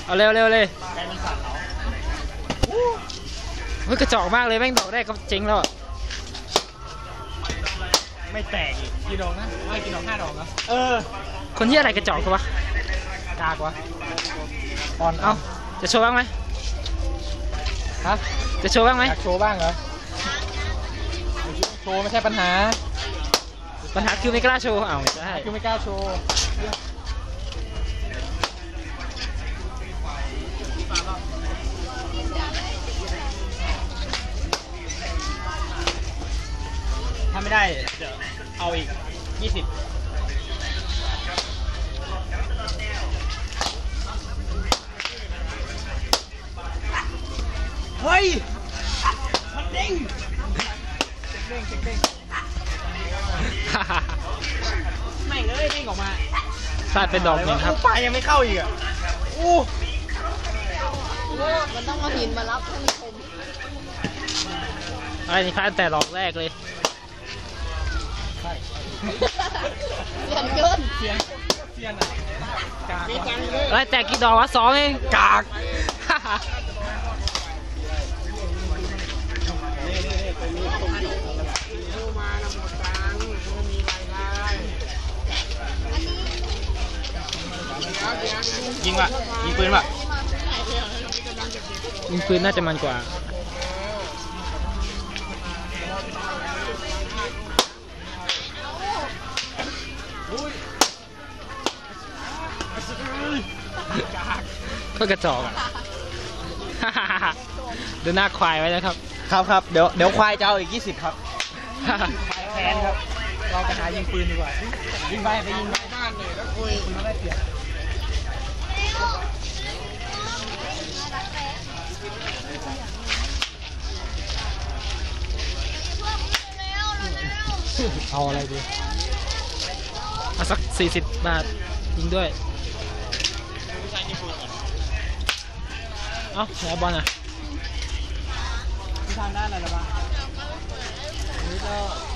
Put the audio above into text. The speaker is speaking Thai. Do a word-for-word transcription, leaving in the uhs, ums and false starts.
เอาเร็วเร็วเลยใจมันสั่นเหรอเฮ้ยกระจอกมากเลยแม่งดอกแรกก็เจ๊งแล้วไม่แตกอีกกี่ดอกนะไม่กี่ดอกห้าดอกนะเออคนที่อะไรกระจอกวะกากวะตอนเอาจะโชว์บ้างไหมฮะจะโชว์บ้างไหมอยากโชว์บ้างเหรอโชว์ไม่ใช่ปัญหาปัญหาคือไม่กล้าโชว์อ้าวไม่ใช่คือไม่กล้าโชว์ถ้าไม่ได้จะเอาอีกยี่สิบเฮ้ยมันเด้งเด้งเด้งไม่เลยเด้งออกมาสาดเป็นดอกหนึ่งครับปลายยังไม่เข้าอีกอ่ะอู้มันต้องเอาหินมารับท่านผู้ชมอะไรนี่พลาดแต่ดอกแรกเลยเสียนเกินเสียนเสียนอ่ะกากอะไรแต่กี่ดอกวะสองเองกากยิงว่ะยิงปืนว่ะยิงปืนน่าจะมันกว่าก็กระจอกอ่ะดูหน้าควายไว้นะครับครับครับเดี๋ยวเดี๋ยวควายจะเอาอีกยี่สิบครับแทนครับเราไปหายิงปืนดีกว่ายิงไปไปยิงบ้านเลยแล้วคุยคุณได้เปรียบเอาอะไรดีเอาสักสี่สิบบาทยิงด้วยเอ้าไหนบอลอ่ะทางด้านอะไรบ้างนี่ก็